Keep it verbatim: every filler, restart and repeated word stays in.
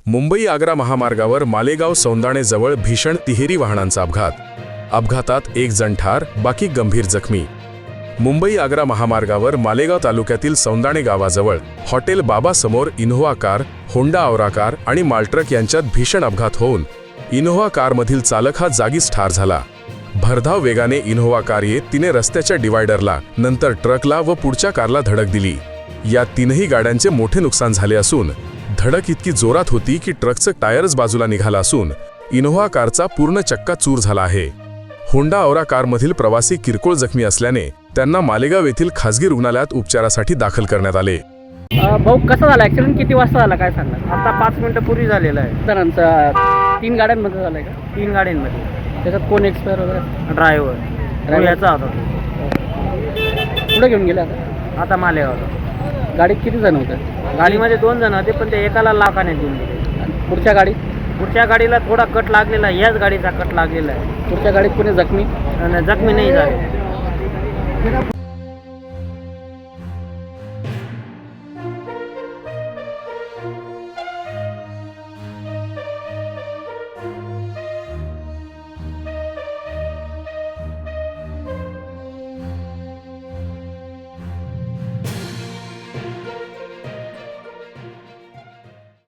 मुंबई आग्रा महामार्गावर मालेगाव सौंदाणेजवळ भीषण तिहेरी वाहनांचा अपघात. अपघातात एक जण ठार, बाकी गंभीर जखमी. मुंबई आग्रा महामार्गावर मालेगाव तालुक्यातील सौंदाणे गावाजवळ हॉटेल बाबा समोर Innova car, Honda Aura car आणि मालट्रक यांच्यात भीषण अपघात होऊन इनोव्हा कारमधील चालक हा जागीच ठार झाला. भरधाव वेगाने इनोव्हा कार येत तिने रस्त्याच्या डिवायडरला, नंतर ट्रकला व पुढच्या कारला धडक दिली. या तीनही गाड्यांचे मोठे नुकसान झाले असून धडक इतकी जोरात होती की ट्रकचं टायरच बाजूला निघाला असून इनोव्हा कारचा पूर्ण चक्का चूर झाला आहे. होंडा औरा कारमधील प्रवासी किरकोळ जखमी असल्याने त्यांना मालेगाव येथील खासगी रुग्णालयात उपचारासाठी दाखल करण्यात आले. भाऊ कसा झाला ॲक्सिडेंट? किती वाजता झाला काय सांगा? आता पाच मिनिटं पूर्वी झालेलं आहे. जणांचा तीन गाड्यांमध्ये झालाय का? तीन गाड्यांमध्ये. त्याच्यात कोण एक्सपायर वगैरे? ड्रायव्हर याचा होता तो. पुढे घेऊन गेला आता? आता मालेगावला. गाडीत किती जण होते? गाडीमध्ये दोन जण होते, पण ते एकाला लाखाने देऊन दिले. आणि पुढच्या गाडीत? पुढच्या गाडीला थोडा कट लागलेला आहे, याच गाडीचा कट लागलेला आहे. पुढच्या गाडीत कोणी जखमी? आणि जखमी नाही झाले.